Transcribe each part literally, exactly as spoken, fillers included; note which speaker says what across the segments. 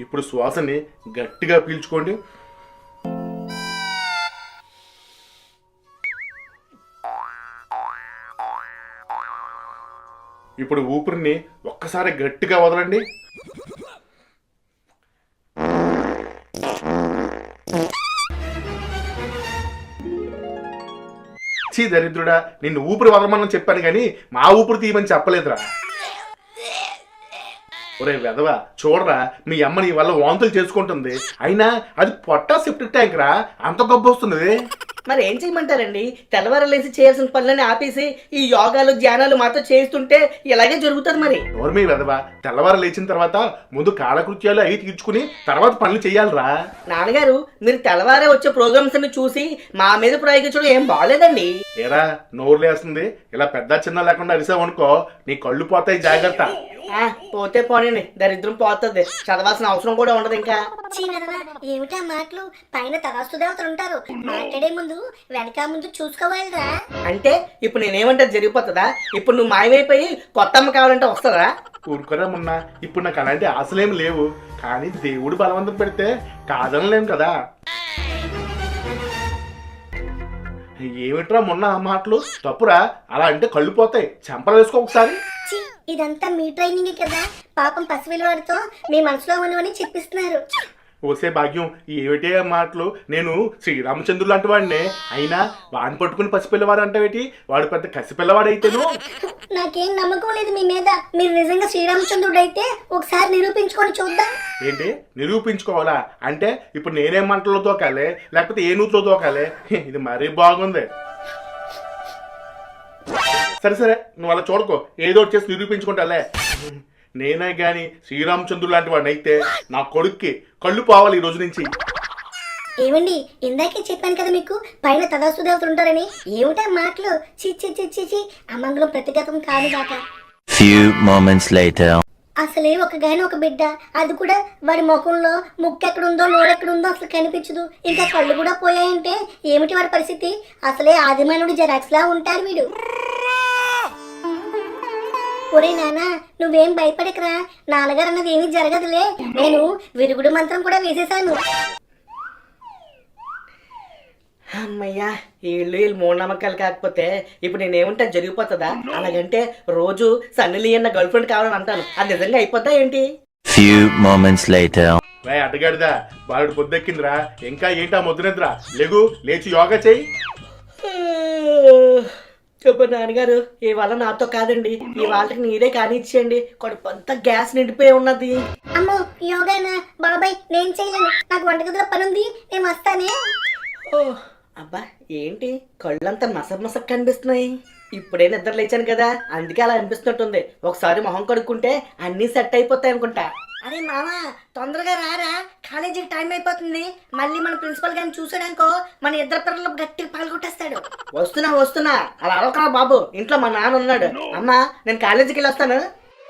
Speaker 1: ఇప్పుడు శ్వాసని గట్టిగా పీల్చుకోండి. ఇప్పుడు ఊపిరిని ఒక్కసారి గట్టిగా వదలండి. చీ దరిద్రుడా, నిన్ను ఊపిరి వదలమని చెప్పాను కానీ మా ఊపిరి తీయమని చెప్పలేదురా. ఒరే వెధవా, చూడరా మీ అమ్మ నీ వల్ల వాంతులు చేసుకుంటుంది, అయినా అది పొట్టా సెప్టిక్ ట్యాంక్ రా, అంత గొప్ప వస్తుంది.
Speaker 2: మరి ఏం చేయమంటారండి? తెల్లవారలేసి చేయాల్సిన పనులని ఆపేసి ఈ యోగాలు ధ్యానాలు మాతో చేస్తుంటే ఇలాగే జరుగుతుంది. మరి
Speaker 1: ఎవరు మీ వెధవా, తెల్లవారు లేచిన తర్వాత ముందు కాలకృత్యాలు అవి తీర్చుకుని తర్వాత పనులు చెయ్యాలరా.
Speaker 2: నాన్నగారు, మీరు తెల్లవారే వచ్చే ప్రోగ్రామ్స్ అన్ని చూసి మా మీద ప్రయోగించడం ఏం బాగలేదండి.
Speaker 1: ఏరా నోరు లేస్తుంది, ఇలా పెద్ద చిన్న లేకుండా అరిసావనుకో నీ కళ్ళు పోతాయి, జాగ్రత్త.
Speaker 2: ఆ పోతే పోనండి, దరిద్రం పోతుంది, చదవాల్సిన అవసరం కూడా ఉండదు. ఇంకా
Speaker 3: ఏమిటా మాటలు? పైన తరాస్తు దేవతలు ఉంటారు, మాట్లాడే ముందు వెనక ముందు చూసుకోవాలిరా.
Speaker 2: అంటే ఇప్పుడు నేనేమంటే జరిగిపోతుందా? ఇప్పుడు నువ్వు మాయమైపోయి కొత్త అమ్మ కావాలంటే వస్తుందా?
Speaker 1: ఊరుకోరా మొన్న, ఇప్పుడు నాకు అలాంటి ఆశలేం లేవు, కానీ దేవుడు బలవంతం పెడితే కాదనలేం కదా. ఏమిట్రా మొన్న ఆ మాటలు తప్పురా, అలా అంటే కళ్ళు పోతాయి, చెంపలు వేసుకో ఒకసారి.
Speaker 3: ఇదంతా మీ ట్రైనింగ్ కదా, పాపం పసిపిల్ల వాడితో మీ మనసులో ఉన్నవని చెప్పిస్తున్నారు.
Speaker 1: ఓసే భాగ్యం, ఏమిటే మాటలు? నేను శ్రీరామచంద్రుడు లాంటి వాడినే, అయినా వాడిని పట్టుకుని పసిపిల్లవాడు అంటావేటి? వాడు పెద్ద కసిపిల్లవాడు అయితేను.
Speaker 3: నాకేం నమ్మకం లేదు మీ మీద. మీరు నిజంగా శ్రీరామచంద్రుడు అయితే ఒకసారి నిరూపించుకొని చూద్దాం.
Speaker 1: ఏంటి నిరూపించుకోవాలా? అంటే ఇప్పుడు నేనేం మంటలో తోకాలి, లేకపోతే ఏ నూతులో తోకాలి? ఇది మరీ బాగుంది. సరే సరే, నువ్వు అలా చూడకో, ఏదో చేసి నిరూపించుకుంటాలే. నేనే గాని శ్రీరామచంద్రుడు లాంటి వాడిని అయితే నా కొడుక్కి కళ్ళు పోవాలి ఈ రోజు నుంచి.
Speaker 3: ఏమండి, ఇందాకే చెప్పాను కదా మీకు పైన తదాస్తు దేవతలు ఉంటారని. ఏమిటా మాటలు? చి చి చి చి చి అమంగళం ప్రతిగతం కాదు కాక.
Speaker 4: Few moments later.
Speaker 3: అసలే ఒక గాని ఒక బిడ్డ, అది కూడా వాడి ముఖంలో ముక్కు ఎక్కడుందో నోరెక్కడుందో అసలు కనిపించదు, ఇంకా కళ్ళు కూడా పోయాయంటే ఏమిటి వాడి పరిస్థితి? అసలే ఆదిమానుడు జెరాక్స్ లా ఉంటారు వీడు. ఒరే నాన్న, నువ్వేం భయపడకరా, నాన్నగారు అన్నది ఏమీ జరగదులే, నేను విరుగుడు మంత్రం కూడా వేసేసాను.
Speaker 2: అమ్మయ్యా, వీళ్ళు వీళ్ళు మూఢనమ్మకాలు కాకపోతే ఇప్పుడు నేనేమంటే జరిగిపోతుందా? అలాగంటే రోజు సన్నీలి అన్న గర్ల్ ఫ్రెండ్ కావాలని అంటాను, అది నిజంగా అయిపోద్దా ఏంటి?
Speaker 4: Few moments later.
Speaker 1: వై అడ్డగాడిదా, బాలుడు పొద్దెక్కిందిరా, ఇంకా ఏంటా ముద్దునిద్రా, లేగు లేచి యోగా చెయ్యి.
Speaker 2: చెప్పు నాన్నగారు, ఇవాళ నాతో కాదండి, ఈ వాళ్ళకి నీరే కానిచ్చేయండి, కడుపంతా గ్యాస్ నిండిపోయి ఉన్నది.
Speaker 3: అమ్మో యోగానా బాబాయ్, నేను చేయలేను, నాకు వంటగదిలో పని ఉంది, నేను వస్తానే.
Speaker 2: ఓ అబ్బా, ఏంటి కళ్ళంతా మసక్ మసక్ కనిపిస్తున్నాయి? ఇప్పుడే నిద్ర లేచాను కదా, అందుకే అలా అనిపిస్తున్నట్టుంది. ఒకసారి మొహం కడుక్కుంటే అన్నీ సెట్ అయిపోతాయి అనుకుంటా.
Speaker 3: అరే మామ, తొందరగా రారా, కాలేజీకి టైం అయిపోతుంది. మళ్ళీ మన ప్రిన్సిపల్ గారిని చూసాడనుకో మన ఇద్దరు పిల్లలు గట్టిగా పాల్గొట్టేస్తాడు.
Speaker 2: వస్తున్నా వస్తున్నా, అలా అరవకరా బాబు, ఇంట్లో మా నాన్న ఉన్నాడు. అమ్మా, నేను కాలేజీకి వెళ్ళి వస్తాను.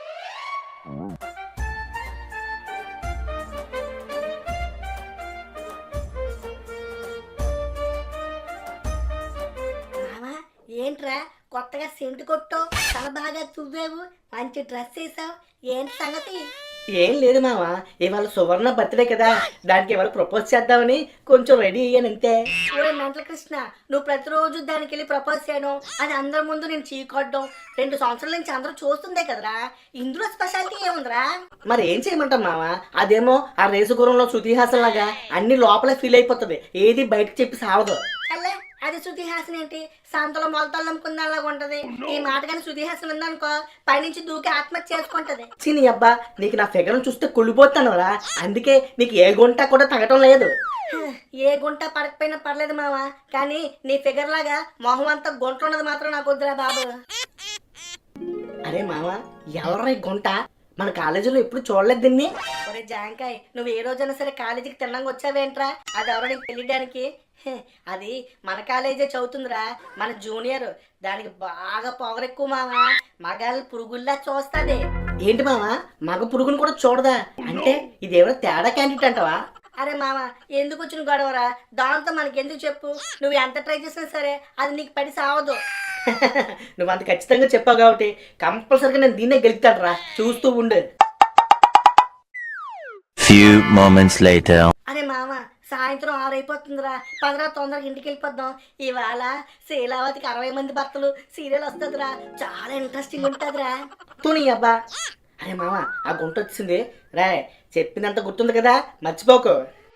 Speaker 3: మామ, ఏంట్రా కొత్తగా సెంటు కొట్టో, తల బాగా తువ్వావు, మంచి డ్రెస్ వేసావు, ఏంటి సంగతి?
Speaker 2: ఏం లేదు మామ, ఇవాళ సువర్ణ బర్త్డే కదా, దానికి ఇవాళ ప్రపోజ్ చేద్దామని కొంచెం రెడీ అయ్యాను అంతే.
Speaker 3: ఊరే మెంటల్ కృష్ణ, నువ్వు ప్రతిరోజు దానికి వెళ్ళి ప్రపోజ్ చేయడం, అది అందరి ముందు నేను చీకొట్టడం, రెండు సంవత్సరాల నుంచి అందరూ చూస్తుందే కదరా, ఇందులో స్పెషాలిటీ ఏముందిరా?
Speaker 2: మరి ఏం చేయమంటాం మామ, అదేమో ఆ రేసు గురంలో శృతిహాసం లాగా అన్ని లోపలే ఫీల్ అయిపోతుంది, ఏది బయటకు చెప్పి సావదు.
Speaker 3: అల్లే, అది శృతిహాసన్ ఏంటి, సంతలో మొలతలు అమ్ముకుందాలాగా ఉంటది. ఈ మాట కానీ శృతిహాసన్ ఉందనుకో, పైనుంచి దూకి ఆత్మహత్య చేసుకుంటది.
Speaker 2: చిని అబ్బా, నీకు నా ఫిగర్ చూస్తే కుళ్ళిపోతాను రా, అందుకే నీకు ఏ గుంట కూడా తగ్గటం లేదు.
Speaker 3: ఏ గుంట పడకపోయినా పర్లేదు మామ, కానీ నీ ఫిగర్ లాగా మొహం అంతా గుంట ఉన్నది మాత్రం నాకు వద్దురా బాబు.
Speaker 2: అరే మామ, ఎవరా ఈ గుంట? మన కాలేజీలో ఎప్పుడు చూడలేదు దీన్ని.
Speaker 3: ఒరే జాంకాయ్, నువ్వు ఏ రోజైనా సరే కాలేజీకి తిన్నాక వచ్చావేంట్రా? అది ఎవరో నీకు తెలియడానికి? అది మన కాలేజే చదువుతుందిరా, మన జూనియర్, దానికి బాగా పొగరెక్కువ మామ, మగాళ్ళు పురుగుల్లా చూస్తుంది.
Speaker 2: ఏంటి మామ, మగ పురుగును కూడా చూడదా? అంటే ఇదేమైనా తేడా క్యాండిడేట్ అంటావా?
Speaker 3: అరే మామ, ఎందుకు వచ్చిన గొడవరా, దాంతో మనకి ఎందుకు చెప్పు, నువ్వు ఎంత ట్రై చేసినా సరే అది నీకు పడి సావదు.
Speaker 2: నువ్వు అంత ఖచ్చితంగా చెప్పావు కాబట్టి కంపల్సరిగా నేను దీన్నే గెలుస్తాను రా, చూస్తూ ఉండు.
Speaker 4: few moments later.
Speaker 3: అరే మామ సాయంత్రం ఆరు అయిపోతుందిరా పదరా తొందరగా ఇంటికి వెళ్ళిపోద్దాం. ఇవాళ శీలావతికి అరవై మంది భర్తలు సీరియల్ వస్తుందిరా, చాలా ఇంట్రెస్టింగ్ ఉంటుందిరా.
Speaker 2: తుని అబ్బా. అరే మామ ఆ గుంట వచ్చింది రా, చెప్పిందంత గుర్తుంది కదా, మర్చిపోకు.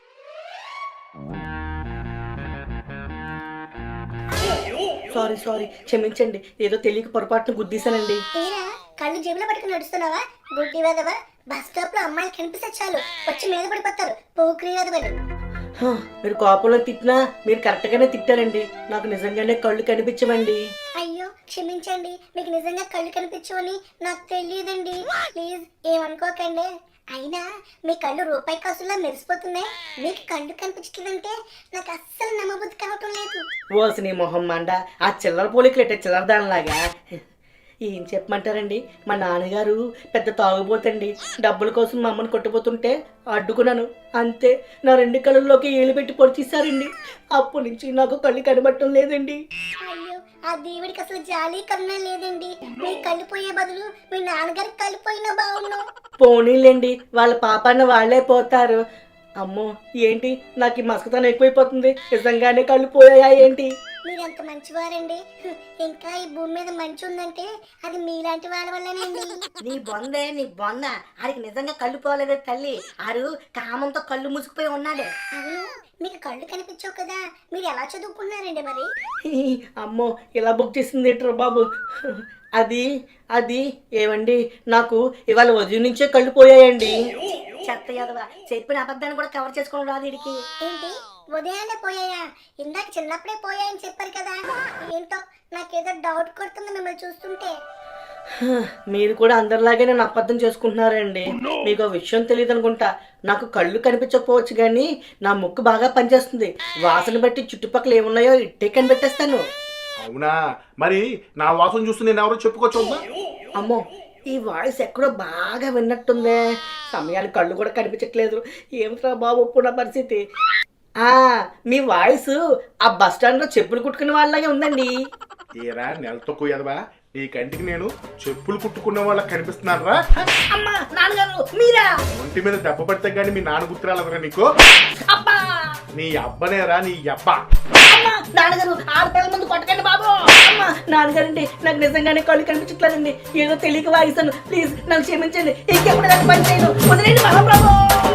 Speaker 2: సారీ సారీ క్షమించండి, ఏదో తెలియక పొరపాటున గుద్దీశానండి.
Speaker 5: తీరా కళ్ళు జేబులో పట్టుకుని నడుస్తున్నావా? గుడ్డి వేదవా, బస్ స్టాప్ లో అమ్మాయిలు కనిపిస్తే చాలు వచ్చి మీద పడిపోతారు. పోక్రీ వేదవలు.
Speaker 2: హ, మీరు కోపంలో తిట్టినా మీరు కరెక్ట్గానే తిట్టారండి. నాకు నిజంగానే కళ్ళు కనిపించవండి.
Speaker 5: అయ్యో క్షమించండి, మీకు నిజంగా కళ్ళు కనిపించవని నాకు తెలియదండి. ప్లీజ్ ఏమనుకోకండి. అయినా మీ కళ్ళు రూపాయి కాసులా మెరిసిపోతున్నాయి, మీకు కళ్ళు కనిపించట్లేదంటే నాకు అస్సలు నమ్మబుద్ధి కావటం లేదు.
Speaker 2: ఓసి నీ మొహం మండ, ఆ చిల్లర పోలికలు ఎట్టే చిల్లర దానిలాగా. ఏం చెప్పమంటారండి, మా నాన్నగారు పెద్ద తాగుబోతండి. డబ్బుల కోసం మా అమ్మని కొట్టుపోతుంటే అడ్డుకున్నాను, అంతే నా రెండు కళ్ళల్లోకి ఏలు పెట్టి పొడిచేశారండి. అప్పటి నుంచి నాకు కళ్ళు కనబడటం లేదండి.
Speaker 5: అయ్యో ఆ దేవుడికి అసలు జాలి కన్నా లేదండి. మీ కళ్ళు పోయే బదులు మీ నాన్నగారికి కళ్ళు పోయినా బాగున్నాం.
Speaker 2: పోనీలేండి, వాళ్ళ పాపాన్న వాళ్ళే పోతారు. అమ్మో ఏంటి నాకు ఈ మసకతనం ఎక్కువైపోతుంది, నిజంగానే కళ్ళు పోయాయా ఏంటి?
Speaker 5: మీరంత మంచివారండి. హ్మ్, ఇంకా ఈ భూమి మీద మంచి ఉందంటే అది మీలాంటి వాళ్ళ వల్లనండి.
Speaker 3: నీ బొందే నీ బొంద, ఆడికి నిజంగా కళ్ళు పోలేదే తల్లి, ఆడు కామంతో కళ్ళు మూసుకుపోయి ఉన్నాడు.
Speaker 5: అవును, మీకు కళ్ళు కనిపించవు కదా, మీరు ఎలా చదువుకున్నారండి మరి?
Speaker 2: అమ్మో ఇలా బుక్ చేసింది ఏంట్రా బాబు. అది అది ఏమండి, నాకు ఇవాళ ఉదయం నుంచే కళ్ళు పోయాయండి.
Speaker 3: చెత్త యదవా, చెప్పిన అబద్ధాన్ని కూడా కవర్ చేసుకోవడం రాదు వీడికి.
Speaker 5: ఏంటి ఉదయాన్నే పోయాయా? ఇందాక చిన్నప్పుడే పోయాయని చెప్పారు కదా. ఏంటో నాకేదో డౌట్ కొడుతుంది మిమ్మల్ని చూస్తుంటే.
Speaker 2: మీరు కూడా అందరిలాగే నన్ను అబద్ధం చేసుకుంటున్నారండి. మీకు ఆ విషయం తెలియదు అనుకుంటా. నాకు కళ్ళు కనిపించకపోవచ్చు కానీ నా ముక్కు బాగా పనిచేస్తుంది. వాసన బట్టి చుట్టుపక్కల ఏమున్నాయో ఇట్టే కనిపెట్టేస్తాను.
Speaker 1: అవునా, మరి నా వాసన చూస్తే నేను ఎవరో చెప్పుకోవచ్చా?
Speaker 2: అమ్మో ఈ వాయిస్ ఎక్కడో బాగా విన్నట్టుందే. సమయానికి కళ్ళు కూడా కనిపించట్లేదు. ఏమిట్రా బాబు ఇప్పుడు నా పరిస్థితి? ఆ మీ వాయిస్ ఆ బస్ స్టాండ్ లో చెప్పులు కుట్టుకునే వాళ్ళలాగే ఉందండి.
Speaker 1: ఏరా నెలతో కుయ్యదవా, నీ కంటికి నేను చెప్పులు కుట్టుకున్న వాళ్ళకి కనిపిస్తున్నాను రా.
Speaker 2: అమ్మా నాన్నగారు మీరా?
Speaker 1: ఒంటి మీద దెబ్బ పడితే గానీ మీ నాన్న గుర్తురాలదరా నీకు?
Speaker 2: అబ్బా
Speaker 1: నీ అబ్బనేరా నీ అబ్బా.
Speaker 2: అమ్మా నాన్నగారు ఆడపిల్లల ముందు కొట్టకండి బాబు. అమ్మా నాన్నగారండి, నాకు నిజంగానే కళ్ళు కనిపించట్లేదండి. ఏదో తెలియక వాయిస్తాను, ప్లీజ్ నన్ను క్షమించండి. ఇంకెప్పుడు నాకు పని చేయను, వదిలేండి మహాప్రభు.